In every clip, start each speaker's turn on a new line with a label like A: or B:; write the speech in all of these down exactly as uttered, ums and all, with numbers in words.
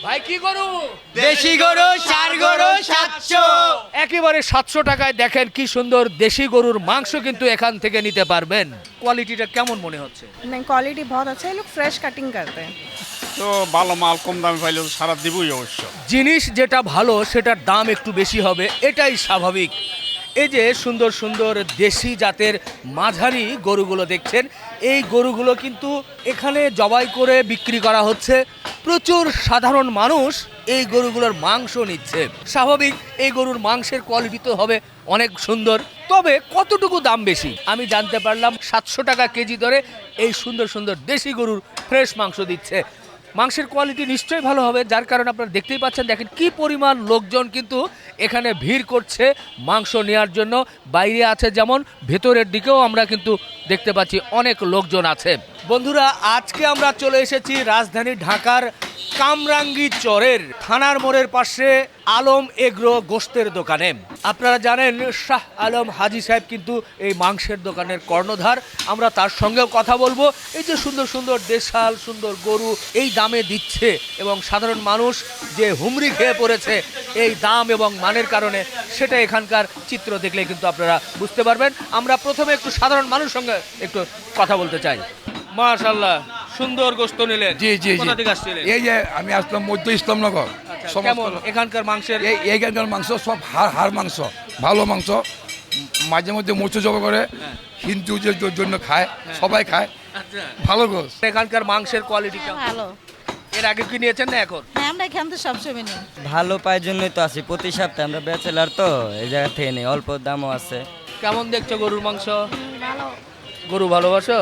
A: ভাই কি গরু?
B: দেশি গরু চার গরু সাতশো।
A: একেবারে সাতশো টাকায় দেখেন কি সুন্দর দেশি গরুর মাংস কিন্তু এখান থেকে নিতে পারবেন। কোয়ালিটিটা কেমন মনে হচ্ছে?
C: नहीं क्वालिटी बहुत अच्छा है, ये लोग फ्रेश कटिंग करते हैं।
D: তো ভালো মাল কম দামে পাইলে তো সারা দিবই অবশ্য।
A: জিনিস যেটা ভালো সেটার দাম একটু বেশি হবে, এটাই স্বাভাবিক। এই যে সুন্দর সুন্দর দেশি জাতের মাঝারি গরুগুলো দেখছেন, এই গরুগুলো কিন্তু এখানে জবাই করে বিক্রি করা হচ্ছে। প্রচুর সাধারণ মানুষ এই গরুগুলোর মাংস নিচ্ছে। স্বাভাবিক, এই গরুর মাংসের কোয়ালিটি তো হবে অনেক সুন্দর। তবে কতটুকু দাম বেশি আমি জানতে পারলাম, সাতশো টাকা কেজি দরে এই সুন্দর সুন্দর দেশি গরুর ফ্রেশ মাংস দিচ্ছে। মাংসের কোয়ালিটি নিশ্চয়ই ভালো হবে, যার কারণে আপনারা দেখতেই পাচ্ছেন, দেখেন কি পরিমাণ লোকজন কিন্তু এখানে ভিড় করছে মাংস নেওয়ার জন্য। বাইরে আছে যেমন, ভেতরের দিকেও আমরা কিন্তু দেখতে পাচ্ছি অনেক লোকজন আছে। বন্ধুরা, আজকে আমরা চলে এসেছি রাজধানী ঢাকার কামরাঙ্গী চরের থানার মোড়ের পাশে আলম এগ্রো গোশতের দোকানে। আপনারা জানেন শাহ আলম হাজি সাহেব কিন্তু এই মাংসের দোকানের কর্ণধার। আমরা তার সঙ্গেও কথা বলবো। এই যে সুন্দর সুন্দর দেশাল সুন্দর গরু এই দামে দিচ্ছে এবং সাধারণ মানুষ যে হুমড়ি খেয়ে পড়েছে এই দাম এবং মানের কারণে, সেটা এখানকার চিত্র দেখলে কিন্তু আপনারা বুঝতে পারবেন। আমরা প্রথমে একটু সাধারণ মানুষের সঙ্গে একটু কথা বলতে চাই। মাশাআল্লাহ, সুন্দর গোশত নিলেন।
E: জি জি জি।
A: কোথা থেকে আসছিলেন?
E: এই যে আমি আসলাম মধ্য ইসলামনগর।
A: আচ্ছা,
E: সমস্ত-
A: কেমন এখানকার মাংসের?
E: এই এইখানকার মাংস সব হাড় হাড় মাংস, ভালো মাংস। মাঝে মধ্যে মুচু জবা করে হিন্দুদের জন্য খায়, সবাই খায়,
A: আচ্ছা,
E: ভালো গোস।
A: এখানকার মাংসের কোয়ালিটি কেমন?
F: ভালো।
A: এর আগে কি নিয়েছেন না এখন?
F: হ্যাঁ, আমরা এখান থেকে সবসময় নিই।
B: ভালো পায়ের জন্যই তো আসি প্রতি সপ্তাহে, আমরা ব্যাচেলার তো এই জায়গা থেকে নেই, অল্প দামও আছে।
A: কেমন দেখছো গরুর মাংস? গরু ভালোবাসো?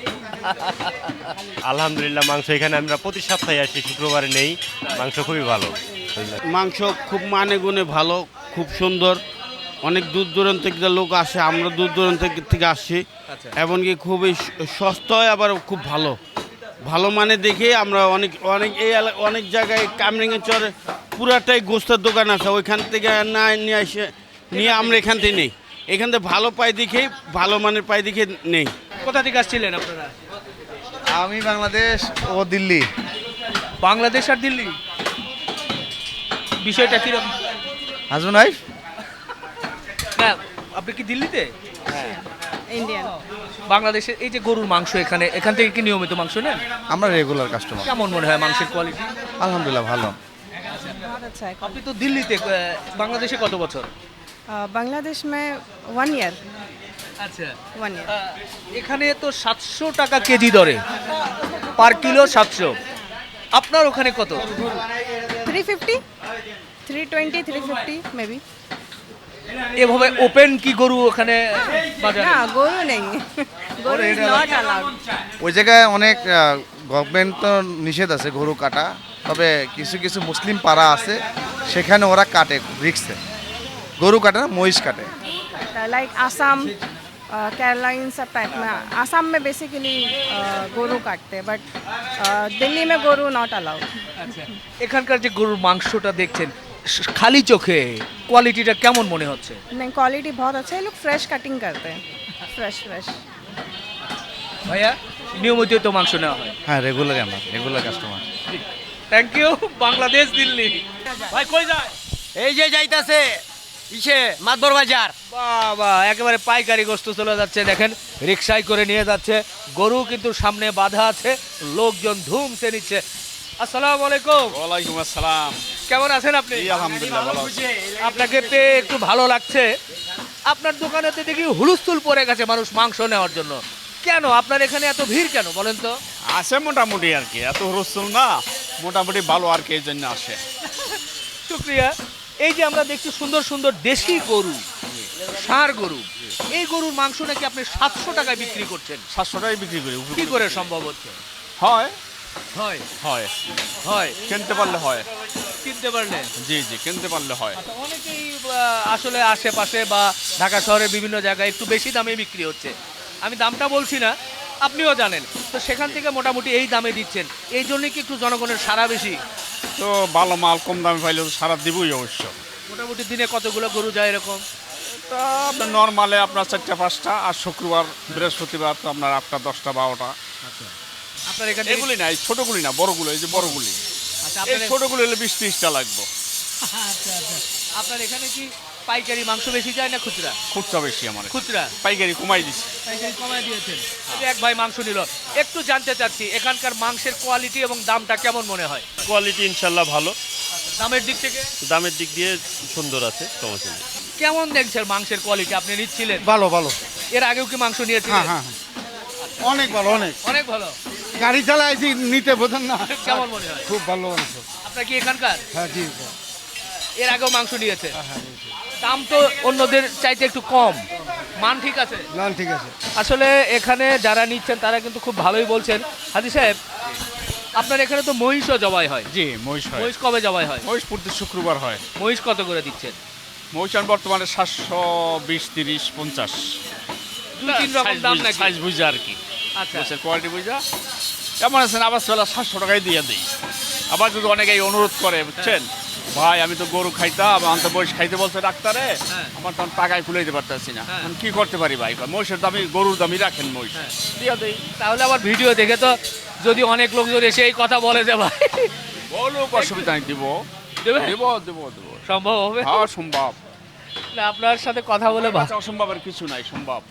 G: আলহামদুলিল্লাহ, মাংস এখানে আমরা প্রতি সপ্তাহে আসি, শুক্রবারে নেই। মাংস খুবই ভালো।
H: মাংস খুব মানে গুণে ভালো, খুব সুন্দর। অনেক দূর দূরান্ত থেকে লোক আসে, আমরা দূর দূরান্ত থেকে আসছি। এমনকি খুবই সস্তায়, আবার খুব ভালো ভালো মানে দেখে আমরা অনেক অনেক এই এলা- অনেক জায়গায় কামরিঙের চরে পুরাটাই গোস্তের দোকান আছে, ওইখান থেকে না নিয়ে আসে নিয়ে আমরা এখান থেকে নেই। এখান থেকে ভালো পাই দেখেই, ভালো মানের পাই দেখে নেই।
A: কোথা থেকে আসছিলেন আপনারা?
I: আমি বাংলাদেশ ও দিল্লি।
A: বাংলাদেশ আর দিল্লি, বিষয়টা কিরকম?
I: Husband wife.
A: না, আপনি কি দিল্লিতে?
C: इंडियन।
A: বাংলাদেশের এই যে গরুর মাংস, এখানে এখান থেকে কি নিয়মিত মাংস নেন?
I: আমরা রেগুলার কাস্টমার।
A: কেমন মনে হয় মাংসের কোয়ালিটি?
I: আলহামদুলিল্লাহ ভালো।
C: बहुत अच्छा है।
A: আপনি তো দিল্লিতে, আহ, বাংলাদেশে কত বছর?
C: अ, बांग्लादेश में वन ईयर
A: আচ্ছা,
C: वन ईयर।
A: এখানে তো সাতশো টাকা কেজি দরে, পার কিলো সাতশো। আপনার ওখানে কত?
C: Three fifty three twenty three fifty maybe.
A: এভাবে ওপেন কি গরু ওখানে বাজারে?
C: ना गोरू नहीं, गोरू इज नॉट अलाउड।
I: ওই জায়গায় অনেক গভর্নমেন্ট তো নিষেধ আছে গরু কাটা, তবে কিছু কিছু মুসলিম পাড়া আছে, সেখানে ওরা কাটে রিক্সে। গরু কাটে না, মহিষ কাটে।
C: लाइक आसाम, केरला, इन सब टाइप में। आसाम में बेसिकली गोरू काटते हैं, बट दिल्ली में गोरू नॉट अलाउड।
A: আচ্ছা, এখানকার যে গরুর মাংসটা দেখছেন, স- খালি চোখে কোয়ালিটিটা কেমন মনে হচ্ছে?
C: नहीं क्वालिटी बहुत अच्छा है, ये लोग फ्रेश कटिंग करते हैं, फ्रेश फ्रेश।
A: ভাইয়া, নিয়মিত তো মাংস নেওয়া হয়?
I: হ্যাঁ রেগুলার, আমরা regular customer.
A: Thank you. Bangladesh Delhi. ভাই কই যায়?
B: এই যে যাইতাছে ইসে মাতবর বাজার।
A: বাবা, একেবারে পাইকারি গোস্ত চলে যাচ্ছে, দেখেন রিক্সায় করে নিয়ে যাচ্ছে। গরু কিন্তু সামনে বাধা আছে, লোকজন ধুমসে নিচ্ছে। আসসালামু আলাইকুম।
D: ওয়ালাইকুম আসসালাম।
A: কেমন আছেন আপনি?
D: জি, আলহামদুলিল্লাহ ভালো আছি।
A: আপনাকে পেয়ে একটু ভালো লাগছে। আপনার দোকানেতে দেখি হুলস্থুল পড়ে গেছে মানুষ মাংস নেওয়ার জন্য। কেন আপনার এখানে এত ভিড় কেন বলেন তো?
D: আসে মোটামুটি আর কি, এত রসুল না, মোটামুটি ভালো আর কি, এই জন্য আসে।
A: শুক্রিয়া। এই যে আমরা দেখছি সুন্দর সুন্দর দেশি গরু, ষাঁড় গরু, এই গরুর মাংস নাকি আপনি সাতশো টাকায় বিক্রি করছেন।
D: সাতশো টাকায় বিক্রি করি।
A: কি করে সম্ভব হচ্ছে?
D: হয়
A: হয়
D: হয়
A: হয়
D: কিনতে পারলে হয়।
A: কিনতে পারলেন?
D: জি জি, কিনতে পারলে হয়।
A: আচ্ছা, অনেকেই আহ, আসলে আশেপাশে বা ঢাকা শহরের বিভিন্ন জায়গায় একটু বেশি দামে বিক্রি হচ্ছে। আমি দামটা বলছি না, আপনিও জানেন, তো সেখান থেকে মোটামুটি এই দামে দিচ্ছেন, এই জন্যই কি একটু জনগণের সাড়া বেশি?
D: তো ভালো মাল কম দামে পাইলে তো সারা দিবই অবশ্য।
A: মোটামুটি দিনে কতগুলো গরু যায় এরকম?
D: তা আপনার নর্মালে আপনার চারটা পাঁচটা, আর শুক্রবার বৃহস্পতিবার তো আপনার আটটা দশটা বারোটা।
A: আপনার এখানে
D: এগুলি না, এই ছোটগুলি না, বড়গুলো, এই যে বড়গুলি।
A: আচ্ছা
D: এই
A: আপনার
D: ছোটগুলো হলে বিশ ত্রিশটা লাগবে।
A: আচ্ছা আচ্ছা আপনার এখানে কি পাইকারি মাংস বেশি যায় না খুচরা?
D: খুচরা বেশি আমার,
A: খুচরা
D: পাইকারি কমাই দিছি।
A: পাইকারি কমায় দিয়েছেন। এই এক ভাই মাংস নিল, একটু জানতে চাচ্ছি এখানকার মাংসের কোয়ালিটি এবং দামটা কেমন মনে হয়?
G: কোয়ালিটি ইনশাল্লাহ ভালো,
A: দামের দিক থেকে
G: দামের দিক দিয়ে সুন্দর আছে, সমস্যা নেই।
A: কেমন দেখছেন মাংসের কোয়ালিটি? আপনি নিচ্ছিলেন,
H: ভালো ভালো,
A: এর আগেও কি মাংস নিয়েছিলেন?
H: হ্যাঁ অনেক ভালো, অনেক।
A: অনেক ভালো।
H: গাড়ি চালাইছি নিতে বোঝেন না,
A: কেমন মনে হয়?
H: খুব ভালো মাংস।
A: আপনার কি এখানকার?
H: হ্যাঁ জি,
A: এর আগেও মাংস নিয়েছে? দাম তো অন্যদের চাইতে একটু কম, মান ঠিক আছে?
H: না ঠিক আছে।
A: আসলে এখানে যারা নিচ্ছেন তারা কিন্তু খুব ভালোই বলছেন। হাজি সাহেব, আপনার এখানে তো মহিষও জবাই হয়?
D: জি, মহিষ হয়।
A: মহিষ কবে জবাই হয়?
D: মহিষ প্রতি শুক্রবার হয়।
A: মহিষ কত করে দিচ্ছেন?
D: মহিষ এখন বর্তমানে সাতশো বিশ তিরিশ পঞ্চাশ,
A: দুই তিন রকম দাম নাকি?
D: সাইজ বুঝা আর কি,
A: আচ্ছা
D: গোছের কোয়ালিটি বুঝা। এমন আছেন আবার চলে সাতশো টাকায় দিয়ে দিই। আবার যদি অনেকে এই অনুরোধ করে, বুঝছেন, ভাই আমি তো গরু খাইতাম, আমার তো মহিষ খাইতে বলছে ডাক্তারে,
A: হ্যাঁ।
D: আমার তখন টাকায় খুলে দিতে পারতেছি না,
A: হ্যাঁ।
D: আমি কি করতে পারি ভাই? মহিষের দামি, গরুর দামি রাখেন মহিষ,
A: হ্যাঁ।
D: দিয়ে দিই।
A: তাহলে আবার ভিডিও দেখে তো যদি অনেক লোকজন এসে এই কথা বলে যে ভাই
D: বলুক, অসুবিধা নেই, দিব
A: দেবে,
D: দেব দেব দেব,
A: সম্ভব হবে?
D: হ্যাঁ সম্ভব।
A: না, আপনার সাথে কথা বলে ভা-
D: আচ্ছা, অসম্ভবের কিছু নাই, সম্ভব।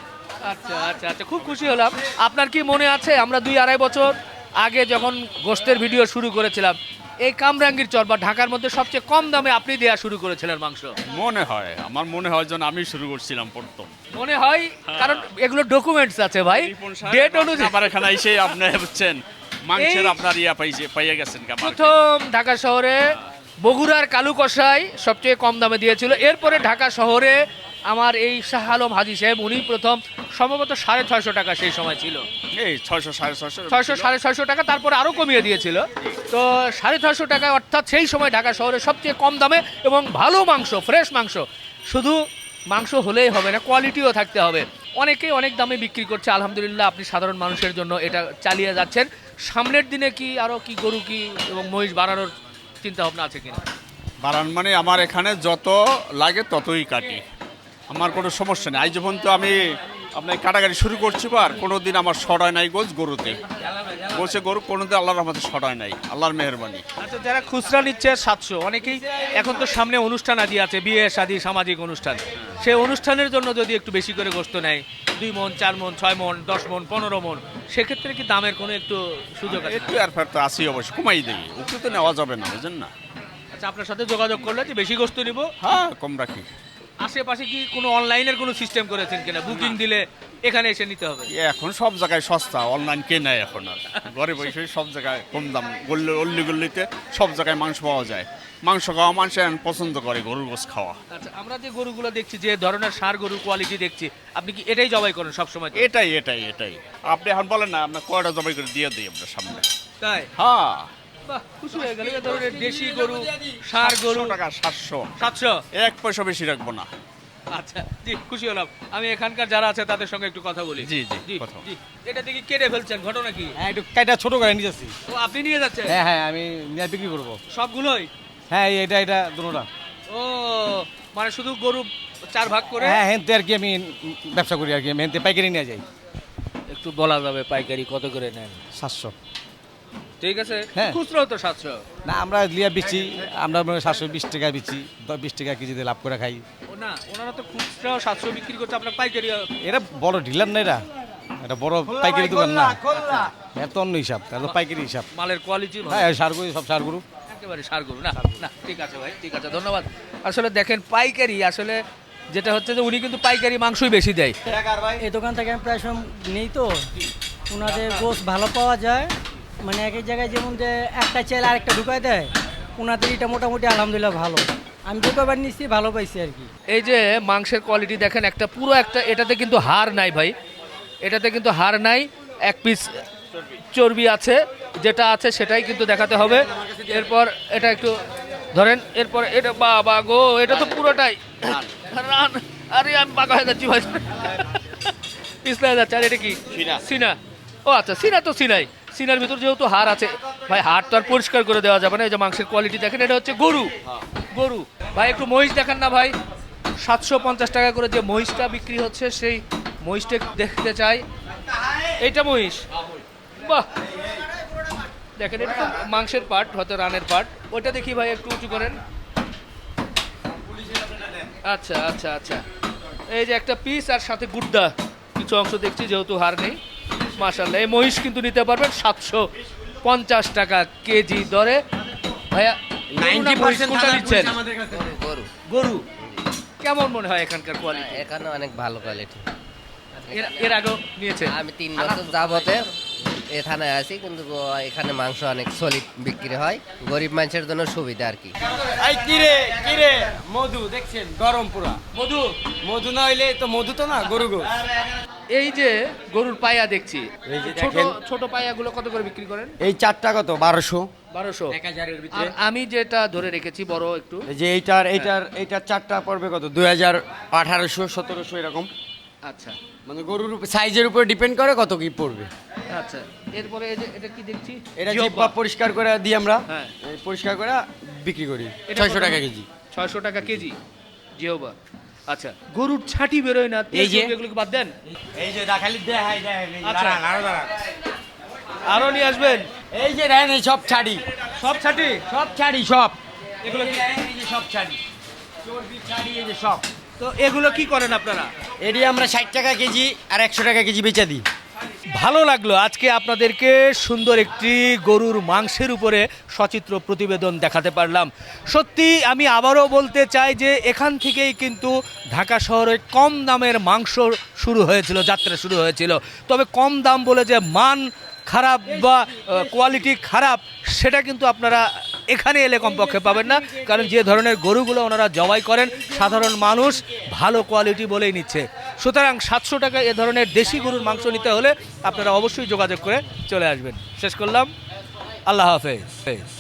A: আচ্ছা আচ্ছা আচ্ছা খুব খুশি হলাম। আপনার কি মনে আছে আমরা দুই আড়াই বছর আগে যখন গোশতের ভিডিও শুরু করেছিলাম, এই কামরাঙ্গীর চর বা ঢাকার মধ্যে সবচেয়ে কম দামে আপনি দেয়া শুরু করেছিলেন মাংস?
D: মনে হয়, আমার মনে হয় যেন আমি শুরু করছিলাম প্রথম।
A: মনে হয়, কারণ এগুলো ডকুমেন্টস আছে ভাই, ডেট অনুযায়ী।
D: আমার এখানে এসে আপনি বুঝছেন মাংসের
A: এই-
D: আপনার ইয়া পাইছে, পাইয়া গেছেন কি আমার?
A: প্রথম ঢাকা শহরে বগুড়ার কালু কষাই সবচেয়ে কম দামে দিয়েছিল। এরপরে ঢাকা শহরে আমার এই শাহ আলম হাজি সাহেব, উনি প্রথম, সম্ভবত সাড়ে ছয়শো টাকা সেই সময় ছিল,
D: এই ছয়শো সাড়ে ছয়শো
A: ছয়শো সাড়ে ছয়শো টাকা, তারপরে আরও কমিয়ে দিয়েছিল। তো সাড়ে ছয়শো টাকা, অর্থাৎ সেই সময় ঢাকা শহরে সবচেয়ে কম দামে এবং ভালো মাংস, ফ্রেশ মাংস। শুধু মাংস হলেই হবে না, কোয়ালিটিও থাকতে হবে। অনেকেই অনেক দামে বিক্রি করছে, আলহামদুলিল্লাহ আপনি সাধারণ মানুষের জন্য এটা চালিয়ে যাচ্ছেন। সামনের দিনে কি আরও কি গরু কি এবং মহিষ বাড়ানোর চিন্তা ভাবনা আছে কিনা?
D: বারান মানে আমার এখানে যত লাগে ততই কাটি, আমার কোনো সমস্যা নেই। আজ যখন তো আমি আপনার কাটাকাটি শুরু করছি, আর কোনো দিন আমার সরায় নাই গোছ গরুতে, গোছে গরু কোনোদিন আল্লাহর রহমতে সরায় নাই, আল্লাহর মেহেরবানি।
A: আচ্ছা, যারা খুচরা নিচ্ছে সাতশো, অনেকেই এখন তো সামনে অনুষ্ঠান আদি আছে, বিয়ে শাদী সামাজিক অনুষ্ঠান, সেই অনুষ্ঠানের জন্য যদি একটু বেশি করে গোশত নেয়, দুই মন চার মন ছয় মন দশ মন পনেরো মন, সেক্ষেত্রে কি দামের কোনো একটু সুযোগ আছে?
D: একটু আর ফের তো আসি অবশ্যই, কমাই দিই, একটু তো নেওয়া যাবে না, বুঝেন না?
A: আচ্ছা, আপনার সাথে যোগাযোগ করলে যে বেশি গোশত নিব,
D: হ্যাঁ কম রাখি।
A: আশেপাশে কি কোনো অনলাইনের কোনো সিস্টেম করেছেন কিনা? বুকিং দিলে এখানে এসে নিতে হবে?
D: এ এখন সব জায়গায় সস্তা, অনলাইন কে নেয় এখন আর, ঘরে বসে সব জায়গায় কম দাম, গল্লি অল্লি গল্লিতে সব জায়গায় মাংস পাওয়া যায়। মাংস খাওয়া মানুষ এখন পছন্দ করে, গরুর গোশ খাওয়া।
A: আচ্ছা, আমরা যে গরুগুলো দেখছি, যে ধরনের ষাঁড় গরুর কোয়ালিটি দেখছি, আপনি কি এটাই জবাই করেন সবসময়?
D: এটাই এটাই এটাই আপনি এখন বলেন না, আপনার কয়টা জবাই করে দিয়ে দিই আপনার সামনে।
A: তাই?
D: হ্যাঁ,
A: বাহ, খুশি হয়ে গেল। এ ধরনের দেশি গরু, ষাঁড় গরু
D: সাতশো টাকা, সাতশো,
A: সাতশো।
D: এক পয়সা বেশি রাখবো না।
A: আচ্ছা, জি, খুশি হলাম। আমি এখানকার যারা আছে তাদের সঙ্গে একটু কথা বলি।
D: জি, জি,
A: জি
D: কথা বলুন।
A: জি। এটা দেখি কেটে ফেলছেন, ঘটনা কি?
F: হ্যাঁ একটু কাইটা ছোট করে নিয়ে যাচ্ছি।
A: ও, আপনি নিয়ে যাচ্ছেন?
F: হ্যাঁ হ্যাঁ আমি নিয়ে বিক্রি করবো।
A: সবগুলোই?
F: হ্যাঁ এই এটা এটা দুটোটা।
A: ও, মানে শুধু গরু চার ভাগ করে?
F: হ্যাঁ হেনতে আর কি আমি ব্যবসা করি আর কি, আমি হেনতে পাইকারি নিয়ে যাই।
A: একটু বলা যাবে পাইকারি কত করে নেন?
F: সাতশো।
A: ঠিক আছে,
F: হ্যাঁ।
A: খুচরো তো সাতশো।
F: না আমরা লিয়া বিচ্ছি, আমরা সাতশো বিশ টাকা বিচ্ছি, বিশ টাকা কেজিতে লাভ করে খাই।
A: ও না, ওনারা তো খুচরাও সাতশো বিক্রি করছে, আপনার পাইকারি?
F: এটা বড় ডিলার না, এটা এটা বড় পাইকারি দোকান না, এত অন্য হিসাব, তাহলে পাইকারি হিসাব।
A: মালের কোয়ালিটি
F: হ্যাঁ সারগুলো সব সারগুলো
A: একেবারে সার গরু না? না, ঠিক আছে ভাই, ঠিক আছে, ধন্যবাদ। আসলে দেখেন পাইকারি, আসলে যেটা হচ্ছে যে উনি কিন্তু পাইকারি মাংসই বেশি দেয়।
J: এই দোকান থেকে আমি প্রায় সময় নেই, তো ওনাদের গোশ ভালো পাওয়া যায়, মানে এক এক জায়গায় যেমন যে একটা চাইলে আরেকটা ঢুকাই দেয়, ওনাদের এটা মোটামুটি আলহামদুলিল্লাহ ভালো। আমি যে কবার নিচ্ছি ভালো পাইছি আর কি।
A: এই যে মাংসের কোয়ালিটি দেখেন, একটা পুরো একটা, এটাতে কিন্তু হাড় নাই ভাই, এটাতে কিন্তু হাড় নাই, এক পিস চর্বি আছে, যেটা আছে সেটাই কিন্তু দেখাতে হবে। এরপর এটা একটু ধরেন, এরপর এটা বাবা গো, এটা তো পুরোটাই রান। আরে আমি পাকা হয়ে যাচ্ছি ভাই, পিছলে যাচ্ছে। আর এটা কি? সিনা। ও আচ্ছা, সিনা তো সিনাই, সিনার ভিতর যেহেতু হাড় আছে ভাই, হাড় তো আর পরিষ্কার করে দেওয়া যাবে না। এই যে মাংসের কোয়ালিটি দেখেন, এটা হচ্ছে গরু, গরু। ভাই একটু মহিষ দেখান না ভাই, সাতশো পঞ্চাশ টাকা করে যে মহিষটা বিক্রি হচ্ছে, সেই মহিষটা দেখতে চাই। এইটা মহিষ, বাহ, দেখেন এটা তো মাংসের পার্ট, হয়তো রানের পার্ট। ওইটা দেখি ভাই একটু উঁচু করেন। আচ্ছা আচ্ছা আচ্ছা, এই যে একটা পিস আর সাথে গুড্ডা কিছু অংশ দেখছি, যেহেতু হাড় নেই। মাশাআল্লাহ, এই মহিষ কিন্তু নিতে পারবেন সাতশো পঞ্চাশ টাকা কেজি দরে। ভাইয়া নাইনটি পার্সেন্ট নিচ্ছেন
B: গরু
A: গরু, কেমন মনে হয় এখানকার কোয়ালিটি?
B: এখানে অনেক ভালো কোয়ালিটি।
A: এর এর আগেও নিয়েছেন?
B: আমি তিন বছর যাবতে এ থানায় আছি, কিন্তু এখানে মাংস অনেক সলিড বিক্রি হয়, গরিব মানুষের জন্য সুবিধা আর কি।
F: এই কিরে কিরে মধু দেখছেন গরম পুরা
A: মধু
F: মধু না হইলে তো মধু তো না গরু গো।
A: এই যে গরুর পায়া দেখছি,
F: এই যে
A: ছোট
F: দেখেন।
A: ছোট পায়াগুলো কত করে বিক্রি করেন?
F: এই চারটা কত বারোশো
A: বারোশো।
F: এক হাজারের
A: আর
F: ভিতরে।
A: আমি যেটা ধরে রেখেছি বড় একটু,
F: এই যে এইটার এইটার এইটার চারটা পড়বে কত দুই হাজার আঠারোশো সতেরোশো এরকম।
A: আচ্ছা
F: মানে গরুর সাইজের উপর ডিপেন্ড করে কত কি পড়বে।
A: আচ্ছা, এরপরে এই যে এটা কি দেখছি,
F: এটা
A: জিহ্বা।
F: জিহ্বা পরিষ্কার করে দিই আমরা,
A: হ্যাঁ।
F: এই পরিষ্কার করে বিক্রি করি
A: এটা
F: ছয়শো
A: কত?
F: টাকা কেজি।
A: ছয়শো টাকা কেজি জিহ্বা। আচ্ছা, গরুর ছাটি বেরোয় না,
F: এই যে-
A: এগুলোকে বাদ দেন।
F: এই যে দেখালি দেখাই দেখাই
A: আচ্ছা। আরো নিয়ে আসবেন?
F: এই যে দেখেন এই সব ছাড়ি
A: সব ছাটি
F: সব ছাড়ি সব
A: এগুলো কি?
F: এই যে সব ছাড়ি চর্বি ছাড়ি এই যে সব।
A: তো এগুলো কি করেন আপনারা?
F: এটি আমরা ষাট টাকা কেজি আর একশো টাকা কেজি বেচা দিই।
A: ভালো লাগলো আজকে আপনাদেরকে সুন্দর একটি গরুর মাংসের উপরে সচিত্র প্রতিবেদন দেখাতে পারলাম। সত্যি আমি আবারও বলতে চাই যে এখান থেকেই কিন্তু ঢাকা শহরে কম দামের মাংস শুরু হয়েছিল, যাত্রা শুরু হয়েছিল। তবে কম দাম বলে যে মান খারাপ বা কোয়ালিটি খারাপ সেটা কিন্তু আপনারা এখানে এলে কমপক্ষে পাবেন না, কারণ যে ধরনের গরুগুলো ওনারা জবাই করেন সাধারণ মানুষ ভালো কোয়ালিটি বলেই নিচ্ছে। সুতরাং সাতশো টাকা এ ধরনের দেশি গরুর মাংস নিতে হলে আপনারা অবশ্যই যোগাযোগ করে চলে আসবেন। শেষ করলাম, আল্লাহ হাফেজ।